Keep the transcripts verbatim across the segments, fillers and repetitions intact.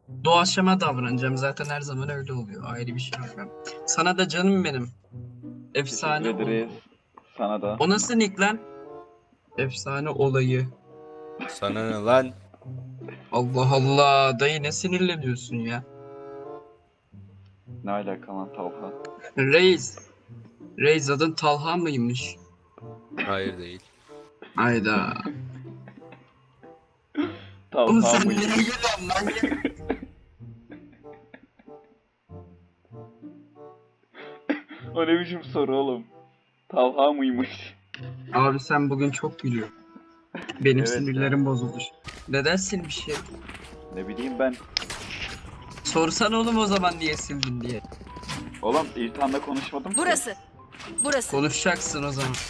Doğaçlama davranacağım. Zaten her zaman öyle oluyor. Ayrı bir şey yok. Sana da canım benim. Efsane Teşekkür ederiz. oldu. Sana da. O nasıl nick lan? Efsane olayı. Sana ne lan? Allah Allah. Dayı ne sinirleniyorsun ya? Ne alaka lan Talha? Reis. Reis adın Talha mıymış? Hayır değil. Hayda. Oğlum Talha sen mıydı? nereye geliyorsun lan? O ne biçim soru oğlum? Talha mıymış? Abi sen bugün çok gülüyorsun. Benim Evet sinirlerim bozuldu. Neden silmiş şey? Ne bileyim ben. Sorsan oğlum o zaman niye sildin diye. Oğlum İltan'la konuşmadım ki. Burası. Burası. Konuşacaksın o zaman.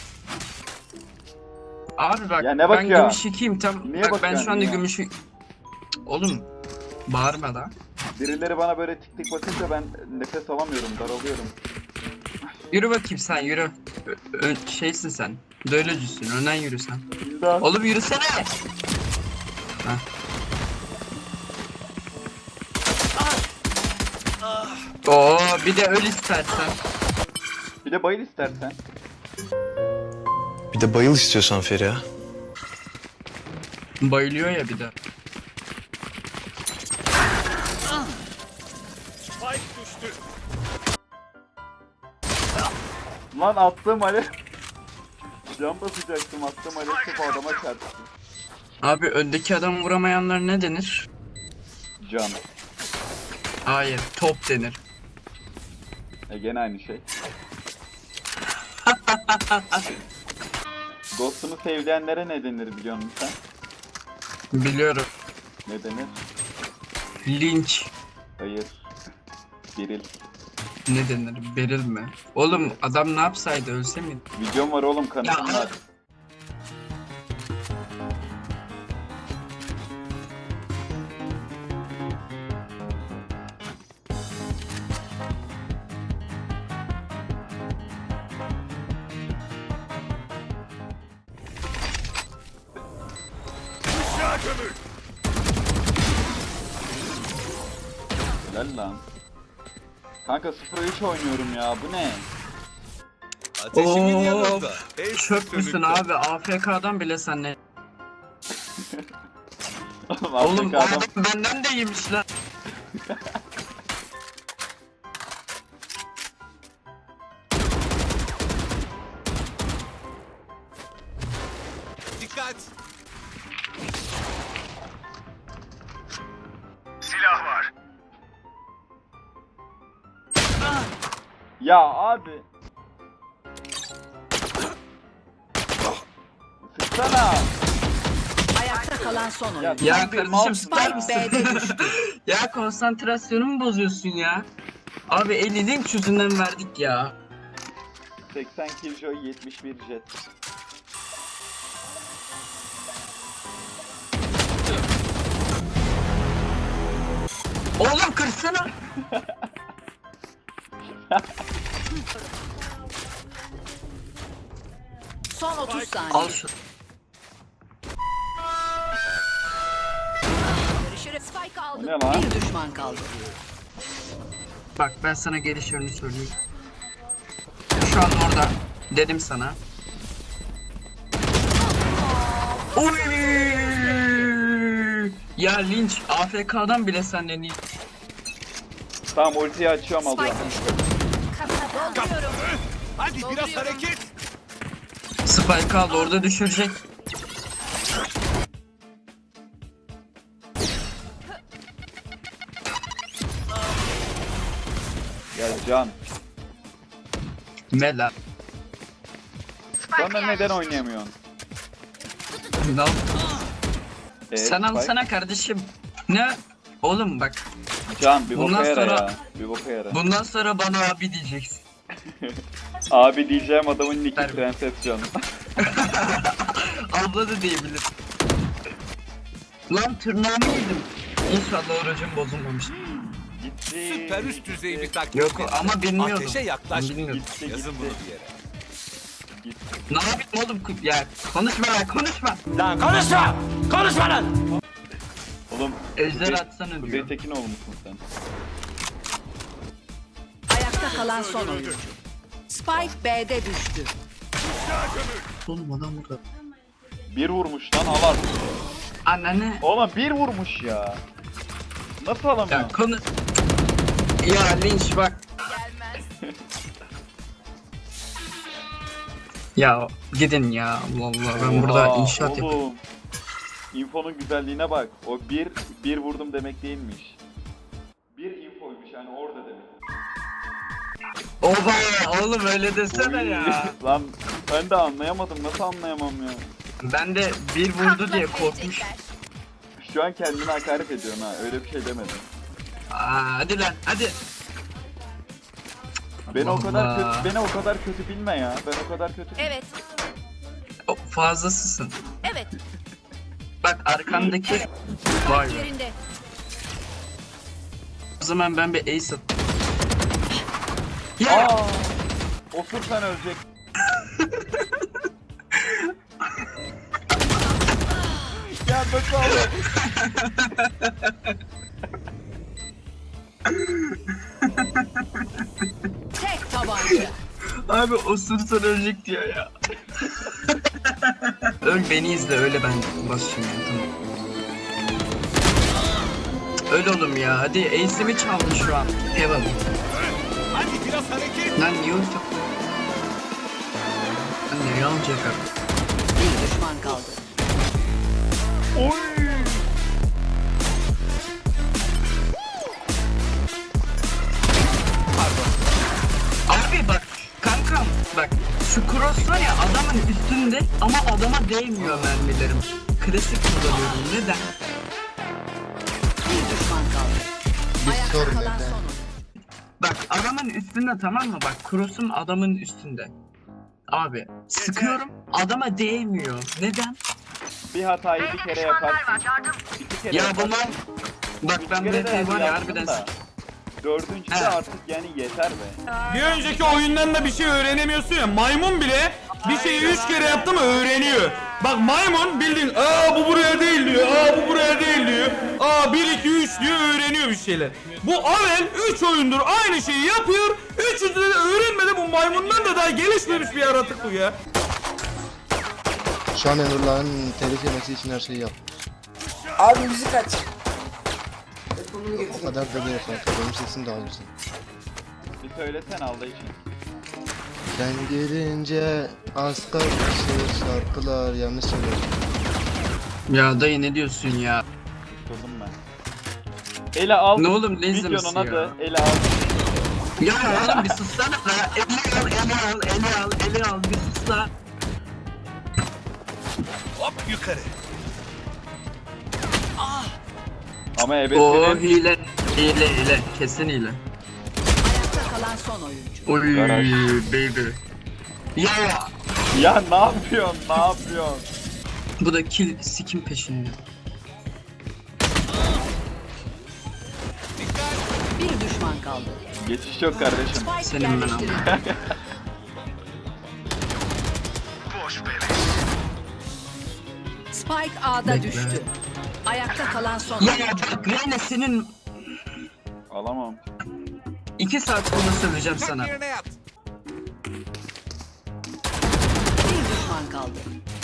Abi bak Ya ne ben bakıyor? gümüş ikiyim tam. Niye Bak ben bakıyorsun, şu anda niye? gümüş. Oğlum bağırma da. Birileri bana böyle tik tik bakınca ben nefes alamıyorum, daralıyorum. Yürü bakayım sen yürü. Ö- ö- şeysin sen. Dölöcüsün önden yürü sen. İldan. Oğlum yürüsene. Heh. Oo bir de öl istersen. Bir de bayıl istersen. Bir de bayıl istiyorsan Feriha. Bayılıyor ya bir de. Lan attığım alev. Can basacaktım, attığım alev topu adama çarptı. Abi öndeki adamı vuramayanlar ne denir? Can. Hayır top denir. E gene aynı şey. Ghost'unu sevleyenlere ne denir biliyor musun sen? Biliyorum. Ne denir? Linç. Hayır. Biril. Ne denir? Beril mi? Oğlum adam ne yapsaydı ölse mi? Videom var oğlum, kanıtım Ya. var. Helal lan. Kanka sıfır üç oynuyorum ya, bu ne? Ateşimin Of, yanında. El Çöp müsün sönükte. abi? A F K'dan bile sen ne? Oğlum, Oğlum Afrika adam. adam benden de iyiymiş lan. Dikkat. Ya abi. Sıksana. Ayakta kalan son oyun. Ya, Ya tam bir kardeşim mouse- sıkar Spike mısın? B'de düştü. Ya konsantrasyonumu bozuyorsun ya. Abi elli link yüzünden verdik ya. seksen Killjoy, yetmiş bir Jet. Oğlum kırsana. Son otuz saniye. Al şu. Görüşürüz. Spike aldım. Ne lan? Bir düşman kaldı. Bak ben sana geliş yönünü söyleyeyim. Şu an orada. Dedim sana. Oy! Ya linç A F K'dan bile senden iyi. Tamam, ultiyi açıyorum abla. Spike düştü. Dolduruyorum. Hadi biraz Dolduruyorum. hareket. Spike aldı orada düşürecek. Gel Can. Mela. Sonra neden oynayamıyorsun? Ne yap- Ee, Sen Spike? alsana kardeşim. Ne? Oğlum bak Can bir Bundan boka yara sonra- ya. Bir boka yara. bundan sonra bana abi diyeceksin. Abi diyeceğim adamın nicki Harbi. Prenses Can. Abla da diyebilir. Lan tırnağımı yedim. İnşallah orucum bozulmamış. Gitti. Süper üst düzey bir taktik. Yok ama bilmiyordum. Ateşe yaklaş. Bilmiyordum. Gitti Yazın bunu gitti. bir yere. Gitti. Ne yapayım oğlum? Ya konuşma lan konuşma. Oğlum Oğlum Ejder Kuzey- atsana Kuzey diyor. Tekinoğlu musun sen? Ayakta kalan son oyuncu. Spike B'de düştü. Oğlum adam burada. Bir vurmuş lan al artık. Anne. Oğlum bir vurmuş ya. Nasıl alamıyor? Ya konu... Ya linç bak. Ya gidin ya Allah Allah ben burada Oha, inşaat yapıyorum. oğlum. Info'nun güzelliğine bak. O bir, bir vurdum demek değilmiş. Bir infoymuş yani orada demek. Oba oğlum öyle desene ya. Lan ben de anlayamadım. Nasıl anlayamam ya? Ben de bir vurdu diye korkmuş. Şu an kendine hakaret ediyorsun ha. Öyle bir şey demedim. Aa, hadi lan hadi. Beni o Allah kadar Allah. kötü, beni o kadar kötü bilme ya. Ben o kadar kötü. Evet. O, fazlasısın. Evet. Bak arkandaki vay Spike be. yerinde. O zaman ben bir ace at. Ya Aa! Osur sen ölecek. Ya nasıl alır? Tek tabanca. abi osursan ölecek diyor ya. Öl beni izle öyle ben basıyorum ya, tamam. Öl oğlum ya hadi ace'imi çaldı şu an. Heaven. Hadi biraz hareket. Lan niye ulti? Lan nereye alacak abi? Bir düşman kaldı. Oy! Abi bak kankam bak şu cross var ya adamın üstünde ama adama değmiyor mermilerim. Klasik kullanıyorum neden? Bir düşman kaldı. Ayakta sorun kalan neden? son oyuncu. Bak adamın üstünde tamam mı bak cross'um adamın üstünde. Abi sıkıyorum adama değmiyor. Neden? Bir hatayı bir kere yaparsın. İki kere Ya yaparsın. bunlar bak ben Üç kere de B T var ya yaptın harbiden da. sık- Dördüncü de He. artık yani yeter be. Bir önceki oyundan da bir şey öğrenemiyorsun ya. Maymun bile bir şeyi üç kere yaptı mı öğreniyor. Bak maymun bildiğin aa bu buraya değil diyor. Aa bu buraya değil diyor. Aa bir iki üç diyor öğreniyor bir şeyler. Bu Avel üç oyundur aynı şeyi yapıyor. Üçüncüde de öğrenmedi bu maymundan da daha gelişmemiş bir yaratık bu ya. Şu an Emrullah'ın telif yemesi için her şeyi yap. Abi müzik aç. O kadar da değil kanka. Benim sesim de alırsın. Bir söylesen Allah için. Sen gelince az kalmışır şarkılar yanlış söyledim. Ya dayı ne diyorsun ya? Tutuldum ben. Ele al. Ne oğlum ne izlemesi Videonun ya? adı ele al. Ya oğlum bir sussana la. Eli al, eli al, eli al, eli al bir sus la. Hop yukarı. Ama Oo ebesinin hile, hile, hile. Kesin hile. Ayakta kalan son oyuncu. Oy Garaj. baby. Ya ya ne yapıyorsun ne yapıyorsun? bu da kill sikim peşinde. Bir düşman kaldı. Geçiş yok kardeşim. Spike Senin ben yerleştirildi. aldım. Spike A'da Bekle. düştü. Ayakta kalan son Ya oyuncu. bak Reyna senin Alamam. iki saat bunu söyleyeceğim sana. Yerine yat. Bir düşman kaldı.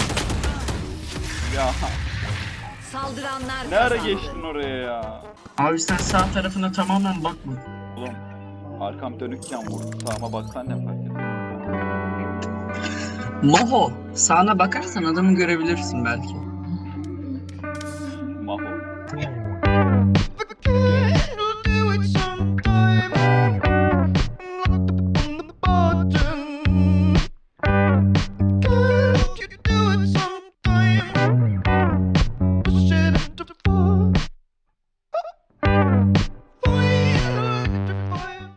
Ya Saldıranlar ne ara kazandı. geçtin oraya ya? Abi sen sağ tarafına tamamen bakma. Oğlum arkam dönükken vurdu. Sağıma baksan ne fark eder? Maho sağına bakarsan adamı görebilirsin belki.